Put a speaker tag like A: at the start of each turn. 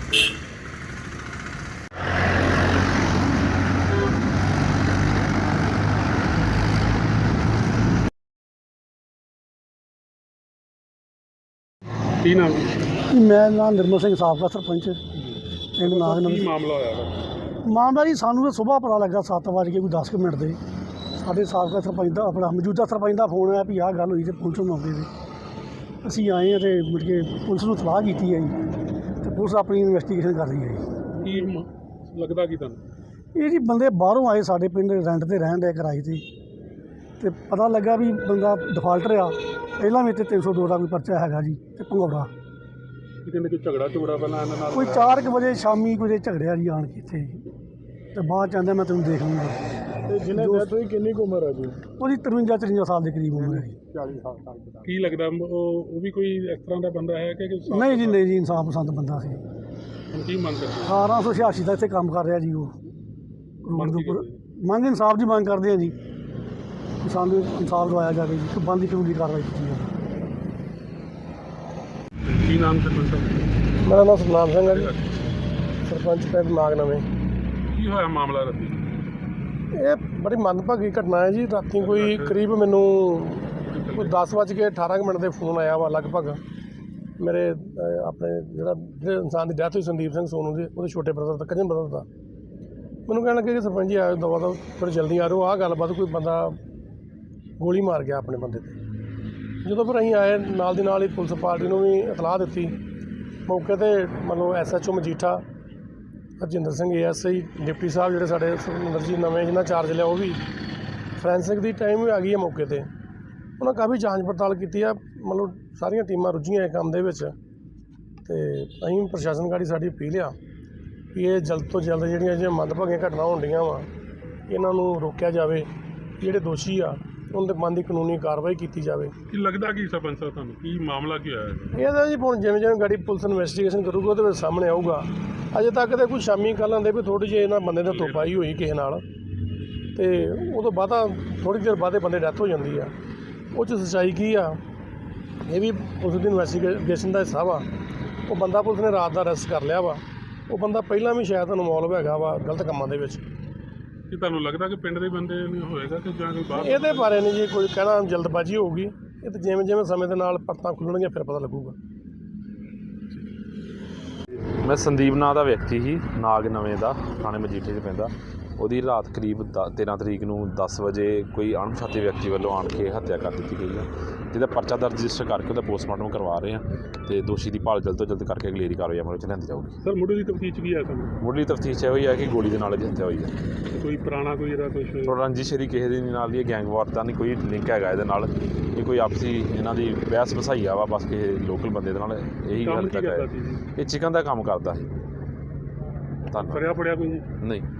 A: ਕੀ ਨਾਮ?
B: ਮੈਂ ਨਾਮ ਨਿਰਮਲ ਸਿੰਘ, ਸਾਬਕਾ ਸਰਪੰਚ ਪਿੰਡ ਨਾਗਨਵੀਂ।
A: ਕੀ ਮਾਮਲਾ ਹੋਇਆ?
B: ਮਾਮਲਾ ਜੀ ਸਾਨੂੰ ਤਾਂ ਸੁਬਾਹ ਪਤਾ ਲੱਗਾ 7:10 ਮਿੰਟ ਦੇ। ਸਾਡੇ ਸਾਬਕਾ ਸਰਪੰਚ ਦਾ, ਆਪਣਾ ਮੌਜੂਦਾ ਸਰਪੰਚ ਦਾ ਫੋਨ ਆਇਆ ਵੀ ਆਹ ਗੱਲ ਹੋਈ, ਅਤੇ ਪੁਲਿਸ ਨੂੰ ਮੌਕੇ 'ਤੇ ਅਸੀਂ ਆਏ ਹਾਂ ਅਤੇ ਮੁੜ ਕੇ ਪੁਲਿਸ ਨੂੰ ਸਲਾਹ ਕੀਤੀ ਹੈ ਜੀ, ਅਤੇ ਪੁਲਿਸ ਆਪਣੀ ਇਨਵੈਸਟੀਗੇਸ਼ਨ ਕਰ ਰਹੀ ਹੈ ਜੀ।
A: ਕੀ ਲੱਗਦਾ ਕੀ ਤੁਹਾਨੂੰ?
B: ਇਹ ਜੀ ਬੰਦੇ ਬਾਹਰੋਂ ਆਏ ਸਾਡੇ ਪਿੰਡ, ਰੈਂਟ 'ਤੇ ਰਹਿਣ ਦੇ, ਕਿਰਾਏ 'ਤੇ, ਅਤੇ ਪਤਾ ਲੱਗਾ ਵੀ ਬੰਦਾ ਡਿਫਾਲਟਰ ਆ। ਪਹਿਲਾਂ ਵੀ ਇੱਥੇ 302 ਦਾ ਕੋਈ ਪਰਚਾ ਹੈਗਾ ਜੀ, ਅਤੇ ਭੰਗੌੜਾ
A: ਕਹਿੰਦੇ ਕੋਈ ਝਗੜਾ ਪਹਿਲਾਂ ਇਹਨਾਂ ਨਾਲ?
B: ਕੋਈ 4 ਵਜੇ ਸ਼ਾਮੀ ਕੋਈ ਝਗੜਿਆ ਜੀ ਆਣ ਕੇ ਇੱਥੇ, ਅਤੇ ਬਾਅਦ 'ਚ ਆਂਦਾ ਮੈਂ ਤੈਨੂੰ ਦੇਖ ਲੂੰਗਾ।
A: ਤੇ ਜਿਹਨੇ ਡੈਥ ਹੋਈ ਕਿੰਨੀ ਕੁ ਉਮਰ ਹੈ ਜੀ?
B: ਉਹਦੀ 53-54 ਸਾਲ ਦੇ ਕਰੀਬ ਉਮਰ ਹੈ ਜੀ।
A: 40 ਸਾਲ। ਕੀ ਲੱਗਦਾ ਉਹ ਵੀ ਕੋਈ ਇਸ ਤਰ੍ਹਾਂ ਦਾ ਬੰਦਾ ਹੈ ਕਿ
B: ਨਹੀਂ ਜੀ, ਨਹੀਂ ਜੀ, ਇਨਸਾਫ ਪਸੰਦ ਬੰਦਾ ਸੀ।
A: ਹੁਣ ਕੀ ਮੰਗ ਕਰਦੇ?
B: 1886 ਦਾ ਇੱਥੇ ਕੰਮ ਕਰ ਰਿਹਾ ਜੀ ਉਹ ਰੋਡ ਦੇ ਉੱਪਰ। ਮੰਗ ਇਨਸਾਫ ਦੀ ਮੰਗ ਕਰਦੇ ਆ ਜੀ, ਕਿ ਸਾਨੂੰ ਇਨਸਾਫ ਦਵਾਇਆ ਜਾਵੇ ਜੀ, ਕਿ ਬੰਦੀ ਕਾਨੂੰਨੀ ਕਾਰਵਾਈ ਕੀਤੀ ਜਾਵੇ।
A: ਕੀ ਨਾਮ ਸਰਪੰਚ ਸਾਹਿਬ?
B: ਮੇਰਾ ਨਾਮ ਸਤਨਾਮ ਸਿੰਘ ਹੈ ਜੀ, ਸਰਪੰਚ ਪਿੰਡ ਨਾਗਨਵੇਂ।
A: ਕੀ ਹੋਇਆ ਮਾਮਲਾ ਰਾਤੀ?
B: ਇਹ ਬੜੀ ਮੰਦਭਾਗੀ ਘਟਨਾ ਹੈ ਜੀ। ਰਾਤੀ ਕੋਈ ਕਰੀਬ ਮੈਨੂੰ ਕੋਈ 10:18 ਦੇ ਫੋਨ ਆਇਆ ਵਾ ਲਗਭਗ। ਮੇਰੇ ਆਪਣੇ ਜਿਹੜੇ ਇਨਸਾਨ ਦੀ ਡੈਥ ਹੋਈ ਸੰਦੀਪ ਸਿੰਘ ਸੋਨੂ ਦੇ, ਉਹਦੇ ਛੋਟੇ ਬ੍ਰਦਰ ਦਾ, ਕਜ਼ਨ ਬ੍ਰਦਰ ਦਾ, ਮੈਨੂੰ ਕਹਿਣ ਲੱਗੇ ਕਿ ਸਰਪੰਚ ਜੀ ਆਇਓ ਦਵਾ ਦਵਾ, ਥੋੜ੍ਹੀ ਜਲਦੀ ਆ ਰਹੋ, ਆਹ ਗੱਲਬਾਤ, ਕੋਈ ਬੰਦਾ ਗੋਲੀ ਮਾਰ ਗਿਆ ਆਪਣੇ ਬੰਦੇ 'ਤੇ। ਜਦੋਂ ਫਿਰ ਅਸੀਂ ਆਏ, ਨਾਲ ਦੀ ਨਾਲ ਹੀ ਪੁਲਿਸ ਪਾਰਟੀ ਨੂੰ ਵੀ ਇਤਲਾਹ ਦਿੱਤੀ। ਮੌਕੇ 'ਤੇ ਮਤਲਬ SHO Majitha, Harjinder Singh ASI, deputy ਸਾਹਿਬ ਜਿਹੜੇ ਸਾਡੇ ਸੁਰਿੰਦਰ ਜੀ ਨਵੇਂ ਜਿਹਨਾਂ ਚਾਰਜ ਲਿਆ, ਉਹ ਵੀ, ਫੋਰੈਂਸਿਕ ਦੀ ਟਾਈਮ ਵੀ ਆ ਗਈ ਹੈ ਮੌਕੇ 'ਤੇ। ਉਹਨਾਂ ਕਾਫੀ ਜਾਂਚ ਪੜਤਾਲ ਕੀਤੀ ਆ, ਮਤਲਬ ਸਾਰੀਆਂ ਟੀਮਾਂ ਰੁੱਝੀਆਂ ਇਹ ਕੰਮ ਦੇ ਵਿੱਚ। ਅਤੇ ਅਸੀਂ ਪ੍ਰਸ਼ਾਸਨ ਗਾੜੀ ਸਾਡੀ ਅਪੀਲ ਆ ਵੀ ਇਹ ਜਲਦ ਤੋਂ ਜਲਦ ਜਿਹੜੀਆਂ ਮੰਦਭਾਗੀਆਂ ਘਟਨਾ ਹੁੰਦੀਆਂ ਵਾ, ਇਹਨਾਂ ਨੂੰ ਰੋਕਿਆ ਜਾਵੇ। ਜਿਹੜੇ ਦੋਸ਼ੀ ਆ ਉਹਨਾਂ ਦੇ ਮਨ ਦੀ ਕਾਨੂੰਨੀ ਕਾਰਵਾਈ ਕੀਤੀ ਜਾਵੇ।
A: ਕੀ ਲੱਗਦਾ ਕੀ ਸਰਪੰਚ ਸਾਹਿਬ ਤੁਹਾਨੂੰ? ਕੀ ਮਾਮਲਾ ਕੀ ਹੋਇਆ?
B: ਇਹਦਾ ਜੀ ਹੁਣ ਜਿਵੇਂ ਜਿਵੇਂ ਗਾੜੀ ਪੁਲਿਸ ਇਨਵੈਸਟੀਗੇਸ਼ਨ ਕਰੂਗੀ ਉਹਦੇ ਵਿੱਚ ਸਾਹਮਣੇ ਆਊਗਾ। ਅਜੇ ਤੱਕ ਤਾਂ ਕੋਈ ਸ਼ਾਮੀ ਕੱਲ੍ਹ ਆਉਂਦੇ ਵੀ ਥੋੜ੍ਹੀ ਜਿਹੀ ਇਹਨਾਂ ਬੰਦੇ ਨੇ ਧੋਪਾਈ ਹੋਈ ਕਿਸੇ ਨਾਲ, ਅਤੇ ਉਹ ਤੋਂ ਬਾਅਦ ਥੋੜ੍ਹੀ ਦੇਰ ਬਾਅਦ ਬੰਦੇ ਡੈਥ ਹੋ ਜਾਂਦੀ ਆ। ਉਹ 'ਚ ਸੱਚਾਈ ਕੀ ਆ, ਇਹ ਵੀ ਪੁਲਿਸ ਦੀ ਇਨਵੈਸਟੀਗੇਸ਼ਨ ਦਾ ਹਿੱਸਾ ਵਾ। ਉਹ ਬੰਦਾ ਪੁਲਿਸ ਨੇ ਰਾਤ ਦਾ ਅਰੈਸਟ ਕਰ ਲਿਆ ਵਾ। ਉਹ ਬੰਦਾ ਪਹਿਲਾਂ ਵੀ ਸ਼ਾਇਦ ਇਨਵੋਲਵ ਹੈਗਾ ਵਾ ਗਲਤ ਕੰਮਾਂ ਦੇ ਵਿੱਚ।
A: ਕੀ ਤੁਹਾਨੂੰ ਲੱਗਦਾ ਕਿ ਪਿੰਡ ਦੇ ਬੰਦੇ ਨਹੀਂ ਹੋਏਗਾ ਕਿ ਜਾਂ ਕੋਈ ਬਾਹਰ?
B: ਇਹਦੇ ਬਾਰੇ ਨਹੀਂ ਜੀ ਕੋਈ ਕਹਿਣਾ, ਜਲਦਬਾਜ਼ੀ ਹੋਊਗੀ। ਇਹ ਤਾਂ ਜਿਵੇਂ ਜਿਵੇਂ ਸਮੇਂ ਦੇ ਨਾਲ ਪਰਤਾਂ ਖੁੱਲ੍ਹਣਗੀਆਂ ਫਿਰ ਪਤਾ ਲੱਗੂਗਾ।
C: ਮੈਂ ਸੰਦੀਪ ਨਾਂ ਦਾ ਵਿਅਕਤੀ ਸੀ, ਨਾਗਨਵੇਂ ਦਾ, ਥਾਣੇ ਮਜੀਠੇ 'ਚ ਪੈਂਦਾ। ਉਹਦੀ ਰਾਤ ਕਰੀਬ 13 ਤਰੀਕ ਨੂੰ 10 ਵਜੇ ਕੋਈ ਅਣਪਛਾਤੇ ਵਿਅਕਤੀ ਵੱਲੋਂ ਆਣ ਕੇ ਹੱਤਿਆ ਕਰ ਦਿੱਤੀ ਗਈ ਹੈ, ਜਿਹਦਾ ਪਰਚਾ ਦਰਜ ਰਜਿਸਟਰ ਕਰਕੇ ਉਹਦਾ ਪੋਸਟਮਾਰਟਮ ਕਰਵਾ ਰਹੇ ਹਾਂ, ਅਤੇ ਦੋਸ਼ੀ ਦੀ ਭਾਲ ਜਲਦ ਤੋਂ ਜਲਦ ਕਰਕੇ ਅਗਲੇਰੀ ਕਾਰਵਾਈ ਅਮਲ ਵਿੱਚ ਲਿਆਂਦੀ ਜਾਊਗੀ।
A: ਸਰ ਮੁੱਢਲੀ ਤਫਤੀਸ਼ ਕੀ ਹੈ ਸਾਨੂੰ?
C: ਮੁੱਢਲੀ ਤਫਤੀਸ਼ ਇਹੋ ਹੀ ਹੈ ਕਿ ਗੋਲੀ ਦੇ ਨਾਲ ਇਹਦੀ ਹੱਤਿਆ ਹੋਈ ਹੈ।
A: ਕੋਈ ਪੁਰਾਣਾ ਕੋਈ ਇਹਦਾ ਕੁਛ?
C: ਰੰਜਿਸ਼ ਦੀ ਕਿਸੇ ਦੇ ਨਾਲ ਹੀ ਗੈਂਗਵਾਰ ਦਾ ਨਹੀਂ ਕੋਈ ਲਿੰਕ ਹੈਗਾ ਇਹਦੇ ਨਾਲ। ਇਹ ਕੋਈ ਆਪਸੀ ਇਹਨਾਂ ਦੀ ਬਹਿਸ ਵਸਾਈਆ ਵਾ, ਬਸ ਕਿਸੇ ਲੋਕਲ ਬੰਦੇ ਦੇ ਨਾਲ ਇਹੀ ਗੱਲ ਤੱਕ ਹੈ। ਇਹ ਚਿਕਨ ਦਾ ਕੰਮ ਕਰਦਾ ਸੀ।
A: ਫੜਿਆ ਕੋਈ?
C: ਨਹੀਂ।